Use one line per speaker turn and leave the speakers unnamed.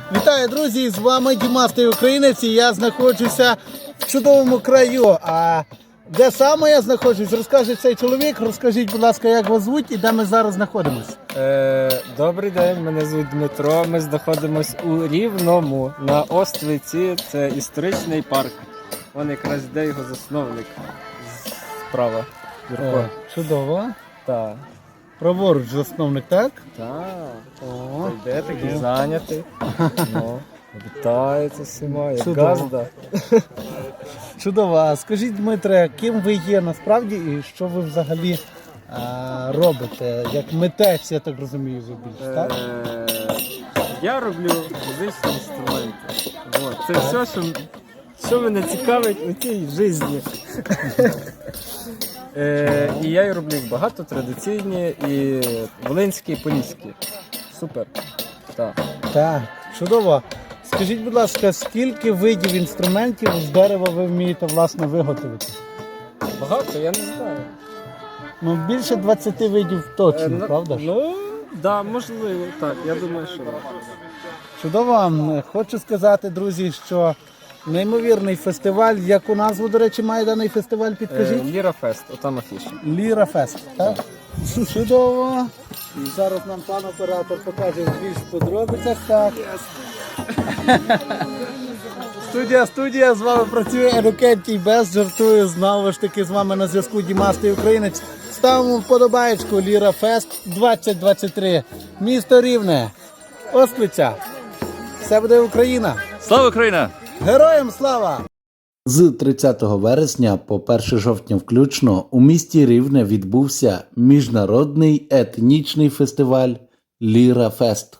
Вітаю, друзі! З вами Дімастий Українець, і я знаходжуся в чудовому краю. А де саме я знаходжусь, розкаже цей чоловік. Розкажіть, будь ласка, як вас звуть і де ми зараз знаходимося?
Добрий день, мене звуть Дмитро. Ми знаходимося у Рівному на Оствиці. Це історичний парк. Вон якраз йде його засновник справа. Юрко.
Чудово.
Так.
Праворуч засновник, так?
Так.
О,
Йде такий зайнятий. Ну, вітається всіма, як
Чудово.
газда.
Чудово. А скажіть, Дмитре, ким ви є насправді і що ви взагалі робите? Як митець, я так розумію, ви більше, так?
Я роблю музичні інструменти. Вот. Це все, що мене цікавить у цій житті. І я роблю їх багато, традиційні і волинські, і поліські. Супер. Так.
Так, чудово. Скажіть, будь ласка, скільки видів інструментів з дерева ви вмієте, власне, виготовити?
Багато, я не знаю.
Ну, більше 20 видів точно, правда ж?
Ну, да, можливо, так. Я думаю, що так.
Чудово. Хочу сказати, друзі, що неймовірний фестиваль. Яку назву, до речі, має даний фестиваль, підкажіть?
Ліра Фест, отам афіша.
Ліра Фест, так? Чудово. І зараз нам пан оператор покаже в більш подробицях. Так. Студія, з вами працює Ерукентій Без, жартую, знову ж таки з вами на зв'язку Дімастий Українець. Ставимо вподобаєчку Ліра Фест 2023. Місто Рівне, Оствиця. Все буде Україна.
Слава Україна!
Героям слава! З 30 вересня по 1 жовтня включно у місті Рівне відбувся міжнародний етнічний фестиваль Ліра Фест.